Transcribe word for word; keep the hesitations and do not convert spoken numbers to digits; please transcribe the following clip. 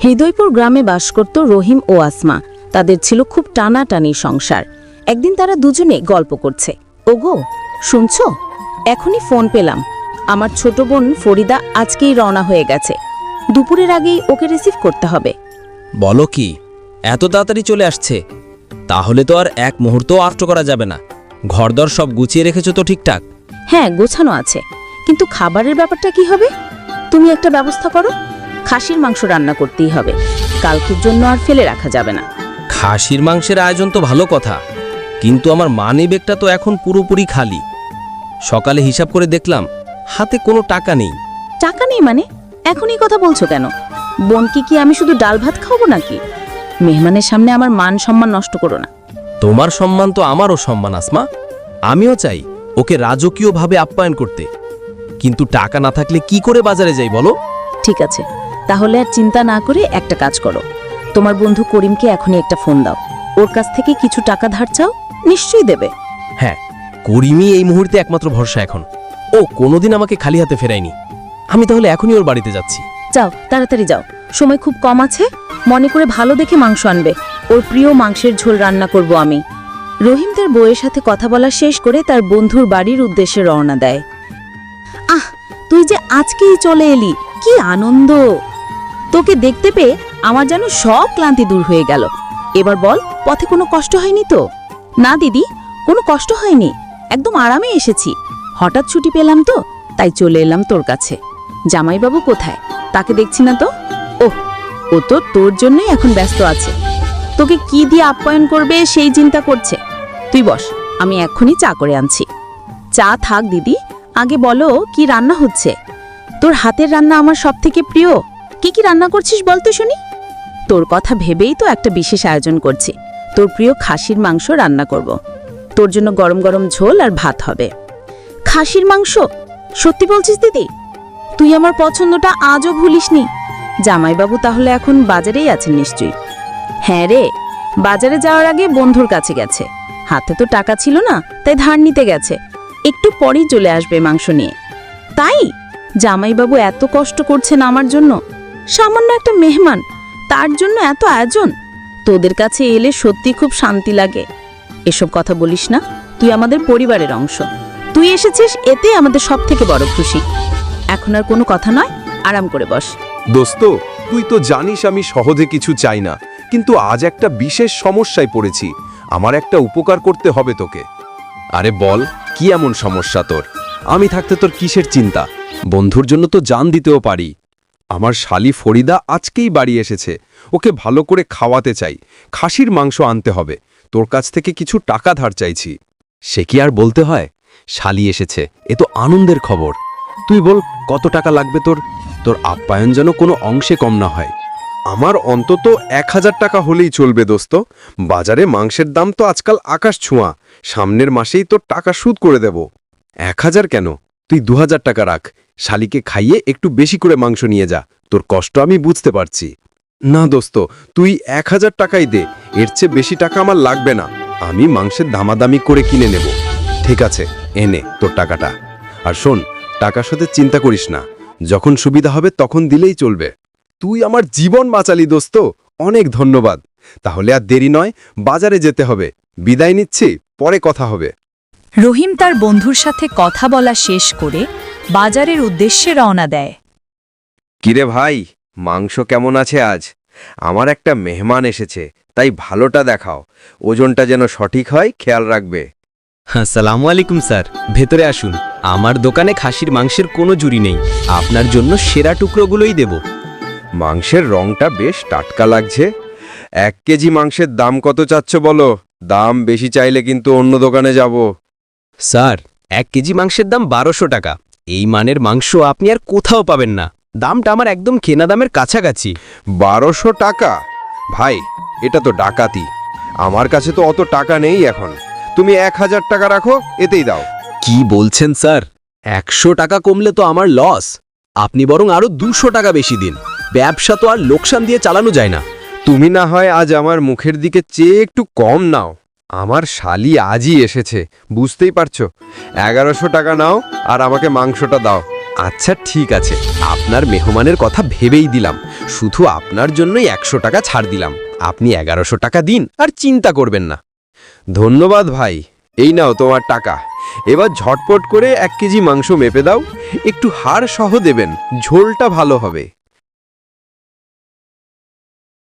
হৃদয়পুর গ্রামে বাস করত রহিম ও আসমা। তাদের ছিল খুব টানাটানি সংসার। একদিন তারা দুজনে গল্প করছে। ওগো, শুনছো? এখনই ফোন পেলাম। আমার ছোট বোন ফরিদা আজকেই রওনা হয়ে গেছে। দুপুরের আগেই ওকে রিসিভ করতে হবে। বলো কি, এত তাড়াতাড়ি চলে আসছে? তাহলে তো আর এক মুহূর্ত আষ্ট করা যাবে না। ঘরদর সব গুছিয়ে রেখেছো তো ঠিকঠাক? হ্যাঁ, গোছানো আছে, কিন্তু খাবারের ব্যাপারটা কি হবে? তুমি একটা ব্যবস্থা করো। খাসির মাংস রান্না করতেই হবে, কালকের জন্য আর ফেলে রাখা যাবে না। খাসির মাংসের আয়োজন তো ভালো কথা, কিন্তু আমার মানি ব্যাগটা তো এখন পুরোপুরি খালি। সকালে হিসাব করে দেখলাম হাতে কোনো টাকা নেই। টাকা নেই মানে? এখনই কথা বলছো কেন? বোনকে কি আমি শুধু ডাল ভাত খাওয়াবো নাকি? মেহমানের সামনে আমার মান সম্মান নষ্ট করো না। তোমার সম্মান তো আমারও সম্মান আসমা। আমিও চাই ওকে রাজকীয়ভাবে আপ্যায়ন করতে, কিন্তু টাকা না থাকলে কি করে বাজারে যাই বলো? ঠিক আছে, তাহলে আর চিন্তা না করে একটা কাজ করো। তোমার বন্ধু করিমকে এখনই একটা ফোন দাও। ওর কাছ থেকে কিছু টাকা ধার চাও, নিশ্চয়ই দেবে। হ্যাঁ, করিমই এই মুহূর্তে একমাত্র ভরসা এখন। ও কোনোদিন আমাকে খালি হাতে ফেরায়নি। আমি তাহলে এখনই ওর বাড়িতে যাচ্ছি। যাও, তাড়াতাড়ি যাও, সময় খুব কম আছে। মনে করে ভালো দেখে মাংস আনবে। ওর প্রিয় মাংসের ঝোল রান্না করব আমি। রহিম তার বউয়ের সাথে কথা বলা শেষ করে তার বন্ধুর বাড়ির উদ্দেশ্যে রওনা দেয়। আহ, তুই যে আজকেই চলে এলি, কি আনন্দ! তোকে দেখতে পেয়ে আমার যেন সব ক্লান্তি দূর হয়ে গেল। এবার বল, পথে কোনো কষ্ট হয়নি তো? না দিদি, কোনো কষ্ট হয়নি, একদম আরামে এসেছি। হঠাৎ ছুটি পেলাম তো, তাই চলে এলাম তোর কাছে। জামাইবাবু কোথায়? তাকে দেখছি না তো। ওহ, ও তো তোর জন্যই এখন ব্যস্ত আছে। তোকে কি দিয়ে আপ্যায়ন করবে সেই চিন্তা করছে। তুই বস, আমি এক্ষুনি চা করে আনছি। চা থাক দিদি, আগে বলো কি রান্না হচ্ছে? তোর হাতের রান্না আমার সব থেকে প্রিয়। কি কি রান্না করছিস বল তো শুনি। তোর কথা ভেবেই তো একটা বিশেষ আয়োজন করছি। তোর প্রিয় খাসির মাংস রান্না করব। তোর জন্য গরম গরম ঝোল আর ভাত হবে। খাসির মাংস? সত্যি বলছিস দিদি? তুই আমার পছন্দটা আজও ভুলিসনি। জামাইবাবু তাহলে এখন বাজারেই আছেন নিশ্চয়ই। হ্যাঁ রে, বাজারে যাওয়ার আগে বন্ধুর কাছে গেছে। হাতে তো টাকা ছিল না, তাই ধার নিতে গেছে। একটু পরেই চলে আসবে মাংস নিয়ে। তাই জামাইবাবু এত কষ্ট করছেন আমার জন্য। সামান্য একটা মেহমান, তার জন্য এত আয়োজন। তোদের কাছে এলে সত্যি খুব শান্তি লাগে। এসব কথা বলিস না, তুই আমাদের পরিবারের অংশ। তুই এসেছিস, এতে আমাদের সব থেকে বড় খুশি। এখন আর কোনো কথা নয়, আরাম করে বস। দোস্ত, তুই তো জানিস আমি সহজে কিছু চাই না, কিন্তু আজ একটা বিশেষ সমস্যায় পড়েছি। আমার একটা উপকার করতে হবে তোকে। আরে বল, কি এমন সমস্যা তোর? আমি থাকতে তোর কিসের চিন্তা? বন্ধুর জন্য তো জান দিতেও পারি। আমার শালি ফরিদা আজকেই বাড়ি এসেছে। ওকে ভালো করে খাওয়াতে চাই। খাসির মাংস আনতে হবে। তোর কাছ থেকে কিছু টাকা ধার চাইছি। সে কি আর বলতে হয়? শালি এসেছে, এ তো আনন্দের খবর। তুই বল, কত টাকা লাগবে তোর? তোর আপ্যায়ন যেন কোনো অংশে কম না হয়। আমার অন্তত এক হাজার টাকা হলেই চলবে দোস্ত। বাজারে মাংসের দাম তো আজকাল আকাশ ছোঁয়া। সামনের মাসেই তোর টাকা শোধ করে দেব। এক হাজার কেন, তুই দু হাজার টাকা রাখ। শালিকে খাইয়ে একটু বেশি করে মাংস নিয়ে যা। তোর কষ্ট আমি বুঝতে পারছি। না দোস্ত, তুই এক হাজার টাকাই দে। এর চেয়ে বেশি টাকা আমার লাগবে না। আমি মাংসের দামাদামি করে কিনে নেব। ঠিক আছে, এনে তোর টাকাটা। আর শোন, টাকার সাথে চিন্তা করিস না। যখন সুবিধা হবে তখন দিলেই চলবে। তুই আমার জীবন বাঁচালি দোস্ত, অনেক ধন্যবাদ। তাহলে আর দেরি নয়, বাজারে যেতে হবে। বিদায় নিচ্ছি, পরে কথা হবে। রহিম তার বন্ধুর সাথে কথা বলা শেষ করে বাজারের উদ্দেশ্যে রওনা দেয়। কিরে ভাই, মাংস কেমন আছে আজ? আমার একটা মেহমান এসেছে, তাই ভালোটা দেখাও। ওজনটা যেন সঠিক হয়, খেয়াল রাখবে। আসসালামু আলাইকুম স্যার, ভেতরে আসুন। আমার দোকানে খাসির মাংসের কোনো জুরি নেই। আপনার জন্য সেরা টুকরোগুলোই দেব। মাংসের রংটা বেশ টাটকা লাগছে। এক কেজি মাংসের দাম কত চাচ্ছ বলো? দাম বেশি চাইলে কিন্তু অন্য দোকানে যাব। স্যার, এক কেজি মাংসের দাম বারোশো টাকা। এই মানের মাংস আপনি আর কোথাও পাবেন না। দামটা আমার একদম কেনা দামের কাছাকাছি। বারোশো টাকা? ভাই, এটা তো ডাকাতি। আমার কাছে তো অত টাকা নেই এখন। তুমি এক হাজার টাকা রাখো, এতেই দাও। কি বলছেন স্যার? একশো টাকা কমলে তো আমার লস। আপনি বরং আরো দুশো টাকা বেশি দিন। ব্যবসা তো আর লোকসান দিয়ে চালানো যায় না। তুমি না হয় আজ আমার মুখের দিকে চেয়ে একটু কম নাও। আমার শালি আজই এসেছে, বুঝতেই পারছো। এগারোশো টাকা নাও আর আমাকে মাংসটা দাও। আচ্ছা ঠিক আছে, আপনার মেহমানের কথা ভেবেই দিলাম। শুধু আপনার জন্যই একশো টাকা ছাড় দিলাম। আপনি এগারোশো টাকা দিন আর চিন্তা করবেন না। ধন্যবাদ ভাই, এই নাও তোমার টাকা। এবার ঝটপট করে এক কেজি মাংস মেপে দাও, একটু হাড় সহ দেবেন, ঝোলটা ভালো হবে।